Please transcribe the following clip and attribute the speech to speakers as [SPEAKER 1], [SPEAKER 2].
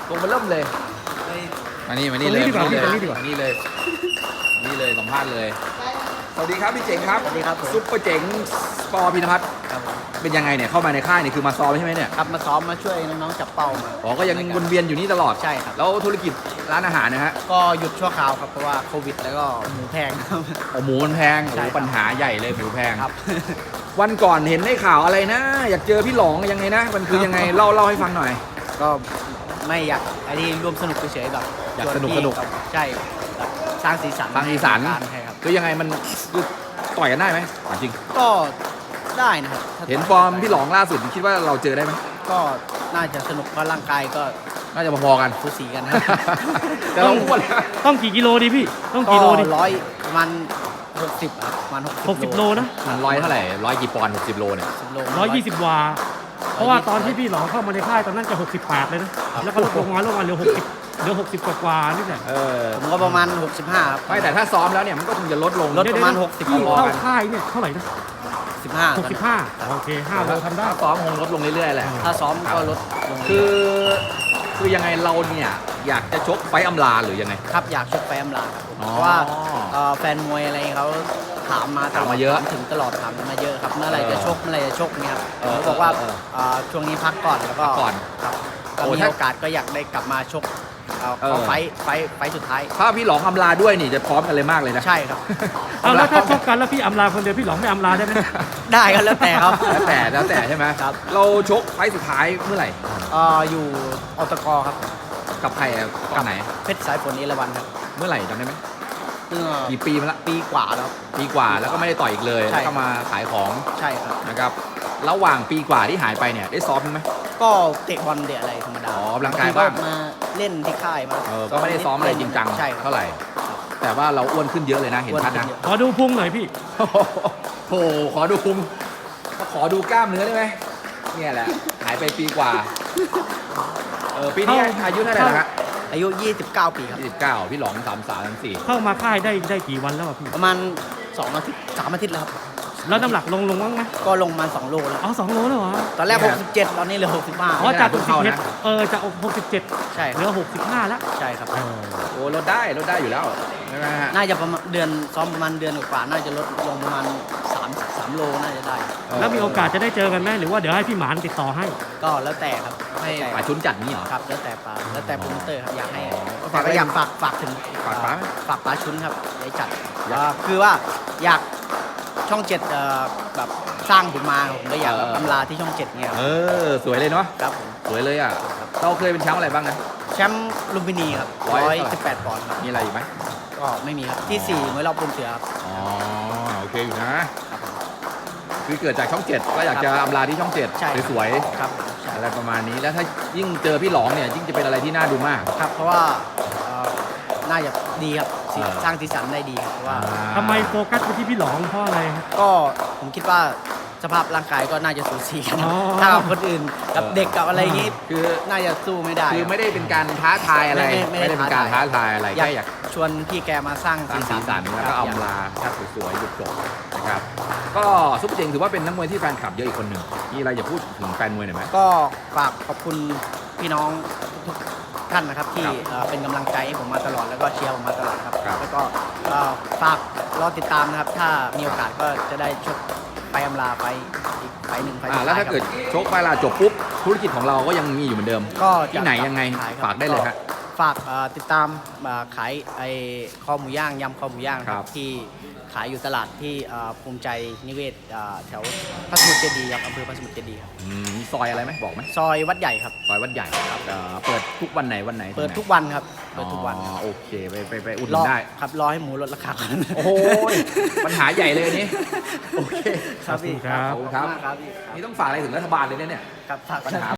[SPEAKER 1] ตัวมันเริ่มเลยมานี่เลยนี่เลยสัมภาษณ์เลยสวัสดีครับพี่เจ๋งครับ
[SPEAKER 2] สวัสดีครับ
[SPEAKER 1] ซุปเปอร์เจ๋งสปอร์พินภัทรเป็นยังไงเนี่ยเข้ามาในค่ายนี่คือมาซ้อมใช่ไหมเนี่ย
[SPEAKER 2] ครับมาซ้อมมาช่วยน้องๆจับเป้ามา
[SPEAKER 1] อ๋อก็ยังวนเวียนอยู่นี่ตลอด
[SPEAKER 2] ใช่ครับ
[SPEAKER 1] แล้วธุรกิจร้านอาหารนะฮะ
[SPEAKER 2] ก็หยุดชั่วคราวครับเพราะว่าโควิดแล้วก็หมูแพงครับ
[SPEAKER 1] โอ้หมูมันแพง
[SPEAKER 2] ใช่
[SPEAKER 1] โอ้
[SPEAKER 2] ครับ
[SPEAKER 1] ปัญหาใหญ่เลยหมูแพง
[SPEAKER 2] ครับ
[SPEAKER 1] วันก่อนเห็นในข่าวอะไรนะ อยากเจอพี่หลองยังไงนะมันคือยังไงเล่าให้ฟังหน่อย
[SPEAKER 2] ก็ไม่อยากอันนี้ร่วมสนุกเฉยๆแบบ
[SPEAKER 1] อยาก
[SPEAKER 2] ชวน
[SPEAKER 1] สนุก
[SPEAKER 2] พี่
[SPEAKER 1] สนุก
[SPEAKER 2] ครับใช่แบบสร้างสีสัน
[SPEAKER 1] สร้างสีสัน
[SPEAKER 2] ให้กับการใช่ครับ
[SPEAKER 1] คือยังไงมันคือต่อยกันได้ไหมถามจริง
[SPEAKER 2] ก็ได้นะครับถ้า
[SPEAKER 1] เห็นฟอร์มพี่หลองล่าสุดคิดว่าเราเจอได้ไหม
[SPEAKER 2] ก็น่าจะสนุกเพราะร่างกายก็
[SPEAKER 1] น่าจะพอๆกัน
[SPEAKER 2] สูสีกันนะครับ
[SPEAKER 1] แต่เราอ้วนนะ
[SPEAKER 3] ต้องกี่กิโลดีพี่ ต้อง
[SPEAKER 2] ก็
[SPEAKER 3] กี่โลดี
[SPEAKER 2] ร้อยประมาณ60ครับประมาณ
[SPEAKER 3] 60 โลนะ
[SPEAKER 1] มันร้อยเท่าไหร่ร้อยกี่ปอนด์60 โลเนี่ย
[SPEAKER 2] 10 โล
[SPEAKER 3] 120 วา เพราะว่าตอนที่พี่หลองเข้ามาในค่ายตอนนั้นจะ68เลยนะ แล้วก็ลดลงมาเหลือ60กว่าๆนี่แหละ
[SPEAKER 1] เออ
[SPEAKER 2] ผมก็ประมาณ65ครับ
[SPEAKER 1] ไม่แต่ถ้าซ้อมแล้วเนี่ยมันก็คงจะลดลง
[SPEAKER 2] ลดประมาณ
[SPEAKER 3] เดี๋ยว
[SPEAKER 2] 60
[SPEAKER 3] พี่
[SPEAKER 2] โล
[SPEAKER 3] เข้าค่ายเนี่ยเท่าไหร่นะ
[SPEAKER 2] 15
[SPEAKER 3] 65 โอเค 5 โลทำได้
[SPEAKER 1] ถ้าซ้อมคงลดลงเรื่อยๆแหละ
[SPEAKER 2] ถ้าซ้อมก็ลดลง
[SPEAKER 1] คือยังไงเราเนี่ยอยากจะชกไฟต์อำลาหรือยังไง
[SPEAKER 2] ครับอยากชกไฟอำลาครับ
[SPEAKER 1] อ๋อ
[SPEAKER 2] เพราะว่าแฟนมวยอะไรเขาถามมา
[SPEAKER 1] ถามมาเยอะ
[SPEAKER 2] ถถึงตลอดถามมาเยอะครับเมื่อไหร่จะชกเนี่ยครับ
[SPEAKER 1] เออ
[SPEAKER 2] ผมบอกว่า ช่วงนี้พักก่อนแล้วก็
[SPEAKER 1] พักก่อน
[SPEAKER 2] ครับก็
[SPEAKER 1] โอ้
[SPEAKER 2] มี
[SPEAKER 1] ถ้า
[SPEAKER 2] โอกาสก็อยากได้กลับมาชกเข้าไฟต์สุดท้าย
[SPEAKER 1] ถ้าพี่หลองอำลาด้วยนี่จะพร้อมกันเลยมากเลยนะ
[SPEAKER 2] ใช่ครับ
[SPEAKER 3] เอาแล้วถ้าชกกันแล้วพี่อำลาคนเดียวพี่หลองไม่อำลาได้ไหม
[SPEAKER 2] ได้ครับแล้วแต่ครับ
[SPEAKER 1] แล้วแต่ใช่ไหม
[SPEAKER 2] ครับ
[SPEAKER 1] เราชกไฟต์สุดท้ายเมื่อไหร่
[SPEAKER 2] อยู่อตกครับ
[SPEAKER 1] กับใครอะกับไหน
[SPEAKER 2] เพชรสายฝนเอราวัณครับ
[SPEAKER 1] เมื่อไหร่จำได้ไหม
[SPEAKER 2] เมื่อ
[SPEAKER 1] กี่ปีมาละ
[SPEAKER 2] ปีกว่าแล้วครับ
[SPEAKER 1] ปีกว่าแล้วก็ไม่ได้ต่อยอีกเลย
[SPEAKER 2] ใช่
[SPEAKER 1] แล้วก็มาขายของ
[SPEAKER 2] ใช่ครับ
[SPEAKER 1] นะครับระหว่างปีกว่าที่หายไปเนี่ยได้ซ้อมไหม
[SPEAKER 2] ก็เตะบอลเตะอะไรธรรมดา
[SPEAKER 1] อ๋อออกกำลังกายบ้าง
[SPEAKER 2] มาเล่นที่ค่ายมา
[SPEAKER 1] ก็ไม่ได้ซ้อมอะไรจริงจัง
[SPEAKER 2] ใช่ครับ
[SPEAKER 1] เท่าไหร่ แต่ว่าเราอ้วนขึ้นเยอะเลยนะเห็นชัดนะ
[SPEAKER 3] ขอดูพุงหน่อยพี่
[SPEAKER 1] โอ้โหขอดูพุงขอดูกล้ามเนื้อได้ไหมเนี่ยแหละหายไปปีกว่าปีนี้อายุเท่าไหร่นะฮะ
[SPEAKER 2] อายุ 29 ปีครับ
[SPEAKER 1] 29พี่หลอง33 34
[SPEAKER 3] เข้ามาค่ายได้กี่วันแล้วอะพี่
[SPEAKER 2] ประมาณ2 อาทิตย์ 3 อาทิตย์แล้วครับ
[SPEAKER 3] แล้วน้ำหนักลงบ้างไหม
[SPEAKER 2] ก็ลงมา2 โลแล้ว
[SPEAKER 3] อ๋อ2 โลแล้วเหรอ
[SPEAKER 2] ตอนแรก
[SPEAKER 1] เนี่ย
[SPEAKER 2] 67 ตอนนี้เหลือ
[SPEAKER 3] อ๋อ
[SPEAKER 2] 65
[SPEAKER 3] จาก
[SPEAKER 1] เพิ่งเข้านะ
[SPEAKER 3] 67จาก67
[SPEAKER 2] ใช่ค
[SPEAKER 3] เหลื
[SPEAKER 2] รับ
[SPEAKER 3] อ65แล้ว
[SPEAKER 2] ใช่ครับ
[SPEAKER 1] โอ้ลดได้อยู่แล้วใช่ไหมฮะ
[SPEAKER 2] น่าจะประมาณเดือนซ้อมประมาณเดือนกว่าๆน่าจะลดลงประมาณ3 โลน่าจะได้
[SPEAKER 3] แล้วมีโอกาสจะได้เจอกันไหมหรือว่าเดี๋ยวให้พี่หมานติดต่อให้
[SPEAKER 2] ก็แล้วแต่ครับ
[SPEAKER 1] ให้
[SPEAKER 2] แล้วแต่
[SPEAKER 1] ป่าชุนจัดนี้เหรอ
[SPEAKER 2] ครับแล้วแต่ปลาแล้วแต่โปรโมเตอร์ครับอยากให้
[SPEAKER 1] ก็
[SPEAKER 2] แต่
[SPEAKER 1] ฝาก
[SPEAKER 2] ก็อยากฝากถึง
[SPEAKER 1] ฝากป๋าไหม
[SPEAKER 2] ฝากปลาชุนครับได้จัดคือว่าอยากช่อง 7แบบสร้างผมมาผมก็อยากแบบอำลาที่ช่อง 7เนี่ยครับ
[SPEAKER 1] สวยเลยเนาะ
[SPEAKER 2] ครับผม
[SPEAKER 1] สวยเลยอ่ะเราเคยเป็นแชมป์อะไรบ้างนะ
[SPEAKER 2] แชมป์ลุมพินีครับ 118 ปอนด์ครับ
[SPEAKER 1] มีอะไรอีกไหม
[SPEAKER 2] ก็ไม่มีครับที่4มวยรอบปูนเสือครับ
[SPEAKER 1] อ๋อโอเคอยู่นะคือเกิดจากช่องเจ็ดก็อยากจะอำลาที่ช่องเจ็ด
[SPEAKER 2] ใช่
[SPEAKER 1] สวย
[SPEAKER 2] ครับใช่
[SPEAKER 1] ๆอะไรประมาณนี้แล้วถ้ายิ่งเจอพี่หลองเนี่ยยิ่งจะเป็นอะไรที่น่าดูมาก
[SPEAKER 2] ครับเพราะว่าน่าจะดีครับ
[SPEAKER 1] เออ
[SPEAKER 2] สร้างสีสันได้ดีครับเพราะว่า
[SPEAKER 3] ทำไมโฟกัสไปที่พี่หลองเพราะอะไรครับ
[SPEAKER 2] ก็ผมคิดว่าสภาพร่างกายก็น่าจะสูสีกันครับ
[SPEAKER 3] อ๋อ
[SPEAKER 2] ถ้ากับคนอื่นกับเด็กกับอะไรอย่างงี้
[SPEAKER 1] คือ
[SPEAKER 2] น่าจะสู้ไม่ได้
[SPEAKER 1] คือไม่ได้เป็นการท้าทายอะไร
[SPEAKER 2] ไม่ได้
[SPEAKER 1] เป็นการท้าทายอะไร
[SPEAKER 2] อยาก
[SPEAKER 1] แค่อยาก
[SPEAKER 2] ชวนพี่แกมาสร้าง
[SPEAKER 1] สร้างสีสันแล้วก็
[SPEAKER 2] ครับ
[SPEAKER 1] อำลาครับสวยๆหยุดจบนะครับก็ซุปเปอร์เจงถือว่าเป็นนักมวยที่แฟนคลับเยอะอีกคนหนึ่งมีอะไรอยากพูดถึงแฟนมวยหน่อยไหม
[SPEAKER 2] ก็ฝากขอบคุณพี่น้องทุกท่านนะครับที่
[SPEAKER 1] ครับ
[SPEAKER 2] เป็นกำลังใจให้ผมมาตลอดแล้วก็เชียร์ผมมาตลอดครับ
[SPEAKER 1] ครับ
[SPEAKER 2] แล้วก็ฝากรอติดตามนะครับ ถ้ามีโอกาสก็จะได้ชกไปอำลาไปอีกไปหนึ่งไฟล์สุดท้าย
[SPEAKER 1] แล้วถ้าเกิดชกไปลาจบปุ๊บธุรกิจของเราก็ยังมีอยู่เหมือนเดิม
[SPEAKER 2] ก็
[SPEAKER 1] ที่ไหนยังไง
[SPEAKER 2] ขครับ
[SPEAKER 1] ฝากได้เลยฮะ
[SPEAKER 2] ฝากติดตามขายไอ้คอหมูย่างยำคอหมูย่างนะค
[SPEAKER 1] ครั
[SPEAKER 2] รับบ ที่ขายอยู่ตลาดที่ภูมิใจนิเวศแถวพระสมุทรเจดีย์ครับอำเภอพระสมุทรเจดีย์ครับ
[SPEAKER 1] มีซอยอะไรไหมบอกไหม
[SPEAKER 2] ซอยวัดใหญ่ครับ
[SPEAKER 1] ซอยวัดใหญ่เปิดทุกวันไหนวันไหน
[SPEAKER 2] เปิด
[SPEAKER 1] ที่ไหน
[SPEAKER 2] ทุกวันครับเปิดทุกวันครับ
[SPEAKER 1] โอเคไปอุดห
[SPEAKER 2] ร
[SPEAKER 1] นุ
[SPEAKER 2] อน
[SPEAKER 1] ได้
[SPEAKER 2] ครับรอให้หมูลดราคาก่อน
[SPEAKER 1] โอ้โหปัญหาใหญ่เลยอันนี้โอเค
[SPEAKER 2] ครับพี่
[SPEAKER 3] ขอบคุณครับ
[SPEAKER 1] ขอบคุณครับ
[SPEAKER 2] มากครับพี่
[SPEAKER 1] นี่ต้องฝากอะไรถึงรัฐบาลเลยเนี่ย
[SPEAKER 2] ครับฝาก
[SPEAKER 1] ปัญหา